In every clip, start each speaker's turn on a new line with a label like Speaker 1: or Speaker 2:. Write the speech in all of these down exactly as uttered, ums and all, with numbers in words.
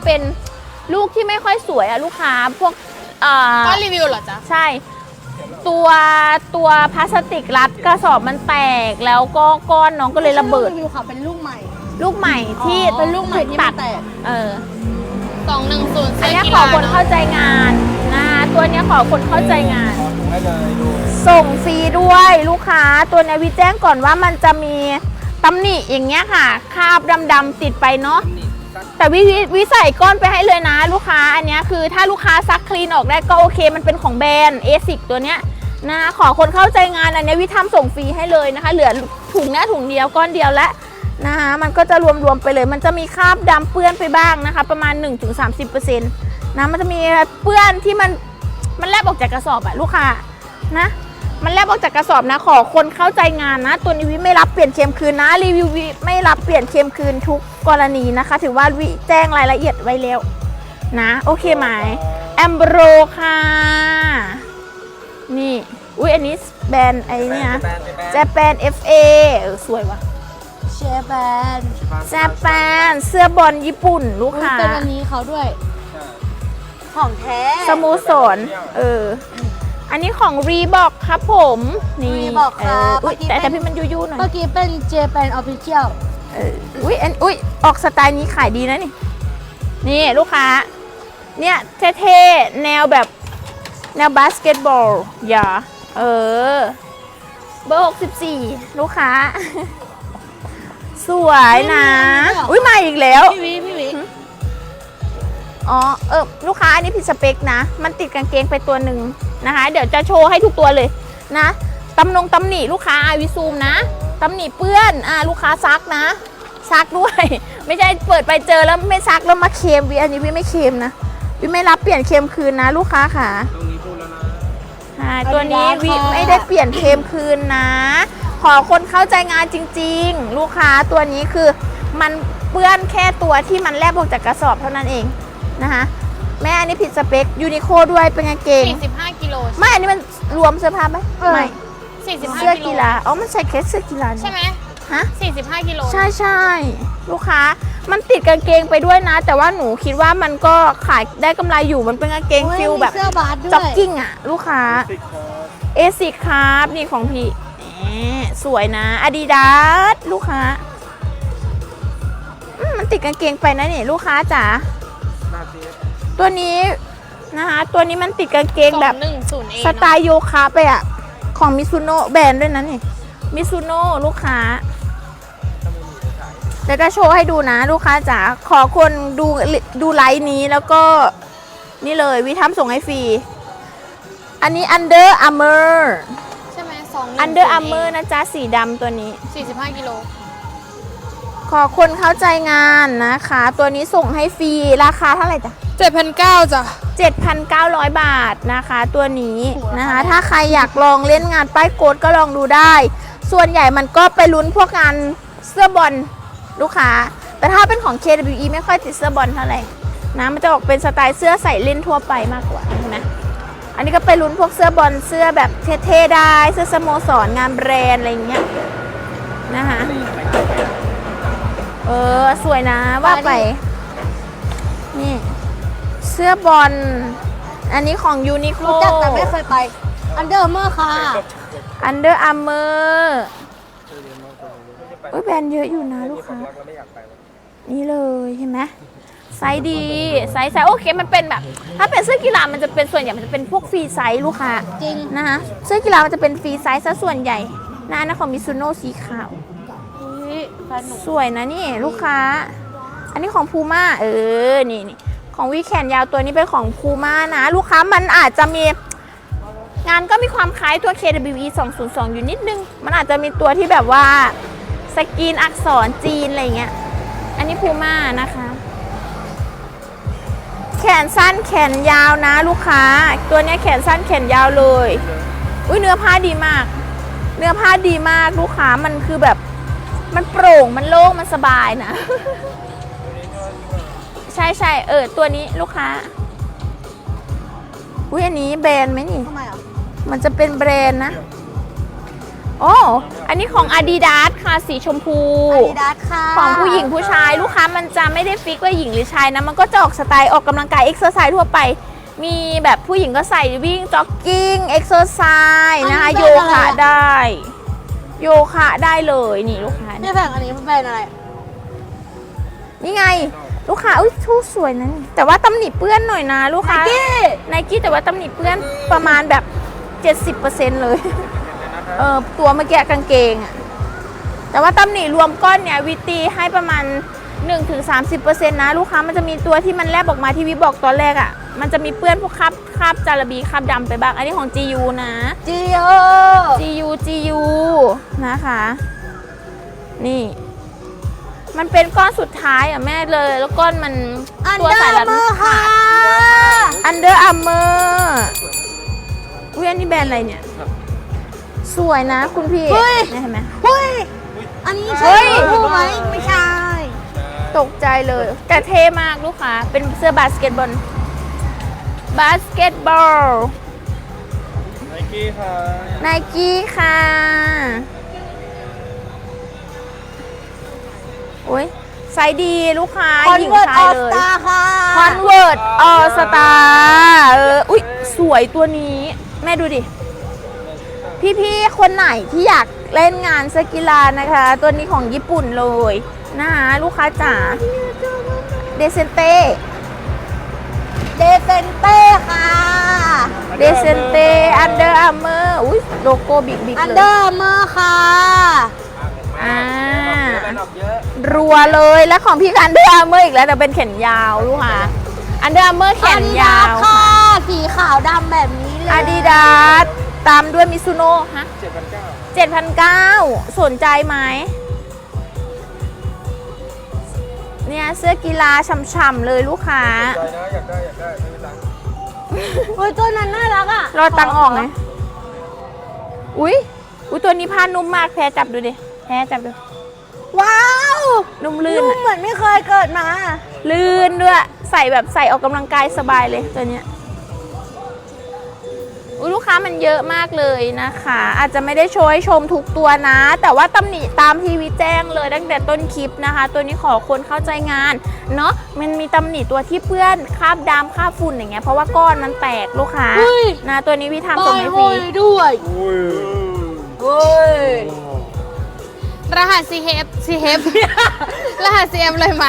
Speaker 1: เป็นลูกที่ไม่ค่อยสวยอะลูกค้าพวกอ่า
Speaker 2: ก็รีวิวเหรอจ๊ะ
Speaker 1: ใช่ตัวตัวพลาสติกรัดกระสอบมันแตกแล้วก็ก้อนน้องก็เลยระเบิด
Speaker 3: รีวิวค่ะเป็นลูกใหม่
Speaker 1: ลูกใหม่ที่
Speaker 3: เป็นลูกใหม่ที่ตัด
Speaker 1: เออ
Speaker 2: สองหนึ่งศูนย์อั
Speaker 1: นนี้ขอคนเข้าใจงานนะตัวนี้ขอคนเข้าใจงานส่งฟรีด้วยลูกค้าตัวนี้วิแจ้งก่อนว่ามันจะมีตำหนิอย่างเงี้ยค่ะคราบดำๆติดไปเนาะแต่วิวิใส่ก้อนไปให้เลยนะลูกค้าอันนี้คือถ้าลูกค้าซักคลีนออกได้ก็โอเคมันเป็นของแบรนด์เอซิกตัวเนี้ยนะขอคนเข้าใจงานอันนี้วิทำส่งฟรีให้เลยนะคะเหลือถุงเนี้ยถุงเดียวก้อนเดียวและนะคะมันก็จะรวมๆไปเลยมันจะมีคราบดำเปื้อนไปบ้างนะคะประมาณ หนึ่งถึงสามสิบเปอร์เซ็นต์ นะมันจะมีเปื้อนที่มันมันแลบออกจากกระสอบอะลูกค้านะมันแลบออกจากกระสอบนะขอคนเข้าใจงานนะตัวนี้วิไม่รับเปลี่ยนเค็มคืนนะรีวิววิไม่รับเปลี่ยนเค็มคืนทุกกรณีนะคะถือว่าวิแจ้งรายละเอียดไว้แล้วนะโอเคไหมแอมโบรค่ะนี่อุ้ยอันนี้แบรนด์ไอ้นี่นะเจแปน เอฟ เอ เออสวยว่ะ
Speaker 3: เชฟแบน
Speaker 1: เจแปนเสื้อบอลญี่ปุ่นลูกค้า
Speaker 3: เป็นอันนี้เขาด้วยของแท้
Speaker 1: สโมสรเอออันนี้ของรีบอกครับผมนี่
Speaker 3: รีบอกครับ
Speaker 1: อุ้ยแต่แต่พี่มันยุ่ๆหน่อย
Speaker 3: เมื่อกี้เป็นเจแปนออฟฟิเชียล
Speaker 1: เอออุ้ยอันอุ้ยออกสไตล์นี้ขายดีนะนี่นี่ลูกค้าเนี่ยเท่ๆแนวแบบแนวบาสเกตบอลอย่าเออเบอร์หกสิบสี่ลูกค้าสวยนะอุ้ยมาอีกแล้ว
Speaker 3: พี่วิพี่วิ
Speaker 1: อ๋อเออลูกค้าอันนี้ผิดสเปคนะมันติดกางเกงไปตัวหนึ่งนะคะเดี๋ยวจะโชว์ให้ทุกตัวเลยนะตำนงตำหนิลูกค้าอาวิซูมนะตำหนิเปื้อนอ่าลูกค้าซักนะซักด้วยไม่ใช่เปิดไปเจอแล้วไม่ซักแล้วมาเค็มวิอันนี้วิไม่เค็มนะวิไม่รับเปลี่ยนเค็มคืนนะลูกค้าค่ะตัวนี้วิไม่ได้เปลี่ยนเค็มคืนนะขอคนเข้าใจงานจริงๆลูกค้าตัวนี้คือมันเปื้อนแค่ตัวที่มันแลบออกจากกระสอบเท่านั้นเองนะคะแม่อันนี้ผิดสเปคยูนิโคด้วยเป็นกางเกง
Speaker 2: สี่สิบห้ากิโล
Speaker 1: ไม่อันนี้มันรวมเสื้อผ้าไหมไม่
Speaker 2: สี่สิบห้า
Speaker 1: เสื้อกีฬาอ๋อมันใส่แค่เสื้อกีฬา
Speaker 2: ใช่ไหม
Speaker 1: ฮะ
Speaker 2: สี่สิบห้ากิโล
Speaker 1: ใช่ใช่ลูกค้ามันติดกางเกงไปด้วยนะแต่ว่าหนูคิดว่ามันก็ขายได้กำไรอยู่มันเป็นกางเกงฟิลแบบจ็อกกิ้งอ่ะลูกค้าเอซิครับนี่ของพี่สวยนะอาดิดาสลูกค้ามันติดกางเกงไปนะนี่ลูกค้าจ๋าตัวนี้นะคะตัวนี้มันติดกางเกงแบบสไตล์โยคะไปอะของมิซูโน่แบรนด์ด้วยนะนี่มิซูโน่ลูกค้าเดี๋ยวจะโชว์ให้ดูนะลูกค้าจ๋าขอคนดูดูไลฟ์นี้แล้วก็นี่เลยวิทำส่งให้ฟรีอันนี้ Under Armour
Speaker 2: ใช่ไหมสอง
Speaker 1: Under Armour นะจ๊ะสีดำตัวนี้
Speaker 2: สี่สิบห้ากิโล
Speaker 1: ขอคนเข้าใจงานนะคะตัวนี้ส่งให้ฟรีราคาเท่าไหร่จ๊ะ
Speaker 2: เจ็ดพันเก้าจ้ะ
Speaker 1: เจ็ดพันเก้าร้อย บาทนะคะตัวนี้นะคะถ้าใครอยากลองเล่นงานป้ายโกดก็ลองดูได้ส่วนใหญ่มันก็ไปลุ้นพวกงานเสื้อบอลลูกค้าแต่ถ้าเป็นของ เค ดับเบิลยู อี ไม่ค่อยติดเสื้อบอลเท่าไหร่นะมันจะออกเป็นสไตล์เสื้อใส่เล่นทั่วไปมากกว่าใช่ไหมอันนี้ก็ไปลุ้นพวกเสื้อบอลเสื้อแบบเท่ๆได้เสื้อสโมสรงานแบรนด์อะไรอย่างเงี้ยนะคะเออสวยนะว่าไปนี่เสื้อบอลอันนี้ของยูนิโค
Speaker 3: รู้จักแต่ไม่เคยไปอันเดอร์เมอร์ค่ะ
Speaker 1: อันเดอร์อาร์เมอร์เอ้ยแบรนด์เยอะอยู่นะลูกค้านี่เลยเห็นไหมไซส์ดีไซส์ไซส์โอเคมันเป็นแบบถ้าเป็นเสื้อกีฬามันจะเป็นส่วนใหญ่มันจะเป็นพวกฟรีไซส์ลูกค้า
Speaker 3: จริง
Speaker 1: นะคะเสื้อกีฬามันจะเป็นฟรีไซส์ซะส่วนใหญ่นะนะของมิซูโน่สีขาวสวยนะนี่ลูกค้าอันนี้ของพูม่าเออนี่นี่ของวีแขนยาวตัวนี้เป็นของพูม่านะลูกค้ามันอาจจะมีงานก็มีความคล้ายตัว เค ดับเบิลยู อี สองศูนย์สองอยู่นิดนึงมันอาจจะมีตัวที่แบบว่าสกรีนอักษรจีนอะไรเงี้ยอันนี้พูม่านะคะแขนสั้นแขนยาวนะลูกค้าตัวนี้แขนสั้นแขนยาวเลยอุ้ยเนื้อผ้าดีมากเนื้อผ้าดีมากลูกค้ามันคือแบบมันโปร่งมันโล่งมันสบายนะใช่ใช่เออตัวนี้ลูกค้าอุ้ยอันนี้แบรนด์ไหมนี่
Speaker 3: ทำไมอ่ะ
Speaker 1: มันจะเป็นแบรนด์นะโอ้อันนี้ของ Adidas ค่ะสีชมพู
Speaker 3: อาดิดาสค่ะ
Speaker 1: ของผู้หญิงผู้ชายลูกค้ามันจะไม่ได้ฟิกว่าหญิงหรือชายนะมันก็จะออกสไตล์ออกกำลังกายเอ็กซ์เซอร์ไซส์ทั่วไปมีแบบผู้หญิงก็ใส่วิ่งจ็อกกิ้งเอ็กซ์เซอร์ไซส์นะคะโยคะได้โยคะได้เลยนี่ลูกค้า
Speaker 3: นี่แผงอันนี้มันเป็นอะไร
Speaker 1: นี่ไงลูกค้าอุ้ยทูสวยนะนี่แต่ว่าตำหนิเปื้อนหน่อยนะลูกค้า ไนกี้แต่ว่าตำหนิเปื้อนประมาณแบบ เจ็ดสิบเปอร์เซ็นต์ เลยเออตัวเมื่อกี้กางเกงอะแต่ว่าตำหนิรวมก้อนเนี่ยวิตีให้ประมาณ หนึ่งถึงสามสิบเปอร์เซ็นต์ นะลูกค้ามันจะมีตัวที่มันแลบออกมาที่วิบอกตอนแรกอะมันจะมีเปื้อนพวกคราบคราบจาระบีคราบดำไปบ้างอันนี้ของ จี ยู นะ
Speaker 3: จีโอ
Speaker 1: จี ยู จี ยู นะคะนี่มันเป็นก้อนสุดท้ายอ่ะแม่เลยแล้วก้อนมัน
Speaker 3: อัน
Speaker 1: ตัว
Speaker 3: เดอ
Speaker 1: สาย
Speaker 3: ร์
Speaker 1: รัด
Speaker 3: เมอ
Speaker 1: มัน
Speaker 3: ร์ค่ะ
Speaker 1: อันเดอร์อาร์เมอร์อุ้ยอันนี้แบรนด์อะไรเนี่ย สวยนะคุณพี่
Speaker 3: เฮ้ย
Speaker 1: นี่เห็นไหม
Speaker 3: เฮ้ย อันนี้
Speaker 1: เฮ้
Speaker 3: ใช่
Speaker 1: ย
Speaker 3: ผู้ไหมไม่ใช่
Speaker 1: ตกใจเลย แต่เท่มากลูกค้าเป็นเสื้อบาสเกตบอลบาสเกตบอล
Speaker 4: ไนกี้ค่ะ
Speaker 1: ไนกี้ค่ะโอ้ยไซส์ดีลูกค้า
Speaker 3: คอน
Speaker 1: หญิง
Speaker 3: เวิร์ต
Speaker 1: ชา
Speaker 3: อย อ
Speaker 1: เล
Speaker 3: ส
Speaker 1: ย
Speaker 3: ตาค่ะ
Speaker 1: คอนเวิร์ตออสตาเอออุ๊ย สวยตัวนี้ แม่ดูดิ พี่ๆ คนไหนที่อยากเล่นงานเสื้อกีฬานะคะ ตัวนี้ของญี่ปุ่นเลยนะคะลูกค้าจ๋าเดเซนเต้
Speaker 3: เดเซนเต้ค่ะ
Speaker 1: เดเซนเต้อันเดอร์อาร์เมอร์อุ้ยโลโก้บิ๊กบิ๊ก
Speaker 3: อัน
Speaker 1: เล
Speaker 3: เดอย ร์เมอร์ค่ะ
Speaker 1: อ่า
Speaker 4: ดอกเยอะ
Speaker 1: รัวเลยแล้วของพี่อันเดอร์อาร์เมอร์อีกแล้วแต่เป็นแขนยาวลูกค้าอันเดอร์อาร์เมอร์แขนยาว
Speaker 3: ค่ะ สีขาวดำแบบนี้เลย
Speaker 1: อาดิดาสตามด้วยมิซูโน่ฮะ
Speaker 4: เจ็ดพันเก้า
Speaker 1: เจ็ดพันเก้าสนใจไหมเนี่ยเสื้อกีฬาฉ่ำๆเลยลูกค้า
Speaker 4: ใจนะอยากได้อยากได้ไม่มีตังค์
Speaker 3: เฮ้ยตัวนั้นน่ารักอ่ะ
Speaker 1: รอตังค์ออกไหมอุ้ยอุ้ยตัวนี้ผ้านุ่มมากแพ้จับดูดิแพ้จับดู
Speaker 3: ว้าว
Speaker 1: นุ่มลื่น
Speaker 3: นุ่ม
Speaker 1: อะ
Speaker 3: เหมือนไม่เคยเกิดมา
Speaker 1: ลื่นด้วยใส่แบบใส่ออกกำลังกายสบายเลยตัวเนี้ยอุ๊ยลูกค้ามันเยอะมากเลยนะคะ อาจจะไม่ได้โชว์ให้ชมทุกตัวนะ แต่ว่าตำหนิตามทีวีแจ้งเลยตั้งแต่ต้นคลิปนะคะ ตัวนี้ขอคนเข้าใจงานเนาะมันมีตำหนิตัวที่เปื้อนคราบดำคราบฝุ่นอย่างเงี้ยเพราะว่าก้อนมันแตกลูกค้า
Speaker 3: เฮ้ย
Speaker 1: นะตัวนี้พี่ทำ
Speaker 3: บ
Speaker 1: ส่
Speaker 3: อง ย
Speaker 1: ให้
Speaker 3: โฮ
Speaker 1: ฟรี
Speaker 3: ยด้วย
Speaker 4: อุ้ย
Speaker 3: เฮ้ย
Speaker 2: รหัส ซี เอฟ ซี เอฟ รหัส ซี เอฟ เลยไหม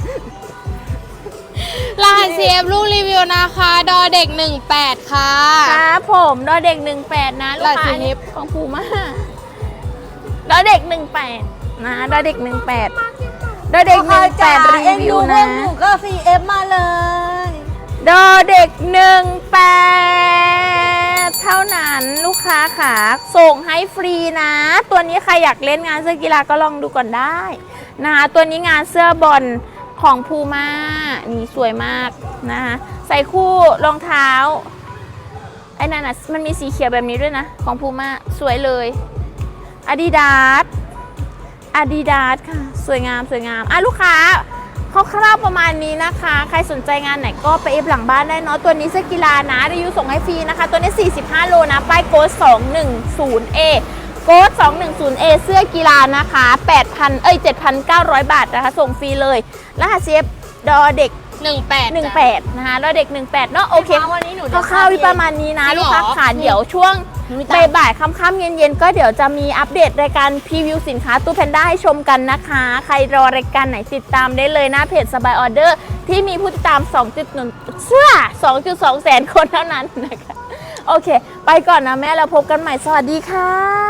Speaker 2: รหัส ซี เอฟ ลูกรีวิวนะคะ ดอเด็กหนึ่งแปดค่ะ
Speaker 1: ครับผมดอเด็กหนึ่งแปดนะลูก
Speaker 2: หลาย
Speaker 1: ค้า
Speaker 2: สี
Speaker 1: อันนี้ของภูมาดอเด็กหนึ่งแปดนะดอเด็กหนึ่งแปดดอเด็กหนึ่งแปดรี
Speaker 3: เอ็น
Speaker 1: วิ
Speaker 3: ดู
Speaker 1: ว
Speaker 3: พว
Speaker 1: นะ
Speaker 3: กหนูก็ ซี เอฟ มาเลย
Speaker 1: ดอเด็กหนึ่งแปดเท่านั้นลูกค้าค่ะส่งให้ฟรีนะ ตัวนี้ใครอยากเล่นงานเสื้อกีฬาก็ลองดูก่อนได้นะคะตัวนี้งานเสื้อบอลของพูม่านี่สวยมากนะคะใส่คู่รองเท้าไอ้นั่นน่ะมันมีสีเขียวแบบนี้ด้วยนะของพูม่าสวยเลย Adidas Adidas ค่ะสวยงามสวยงามอ่ะลูกค้าคร่าวๆประมาณนี้นะคะ ใครสนใจงานไหนก็ไปเอฟหลังบ้านได้เนาะตัวนี้เสื้อกีฬานะรีวิวส่งให้ฟรีนะคะ ตัวนี้สี่สิบห้าโลนะป้ายโค้ดสองหนึ่งศูนย์เอโค้ดสองหนึ่งศูนย์เอเสื้อกีฬานะคะแปดพันเอ้ยเจ็ดพันเก้าร้อยบาทนะคะส่งฟรีเลยรหัส ซี เอฟ ดอเด็ก
Speaker 2: หนึ่งแปด
Speaker 1: หนึ่งแปดนะคะดอเด็กหนึ่งแปดเนาะโอเค
Speaker 3: วันนี้หนู
Speaker 1: คร่าวๆประมาณนี้นะ
Speaker 2: จริงเหรอ
Speaker 1: ลูกค้าขาเดี๋ยวช่วง บ่ายๆค่ำๆเย็นๆก็เดี๋ยวจะมีอัปเดตรายการพรีวิวสินค้าตู้แพนด้าให้ชมกันนะคะ ใครรอรายการไหนติดตามได้เลยหน้าเพจสบายออเดอร์ที่มีผู้ติดตาม สองจุดหนึ่ง เสื้อ สองจุดสอง แสนคนเท่านั้นนะคะ โอเค ไปก่อนนะแม่เราพบกันใหม่สวัสดีค่ะ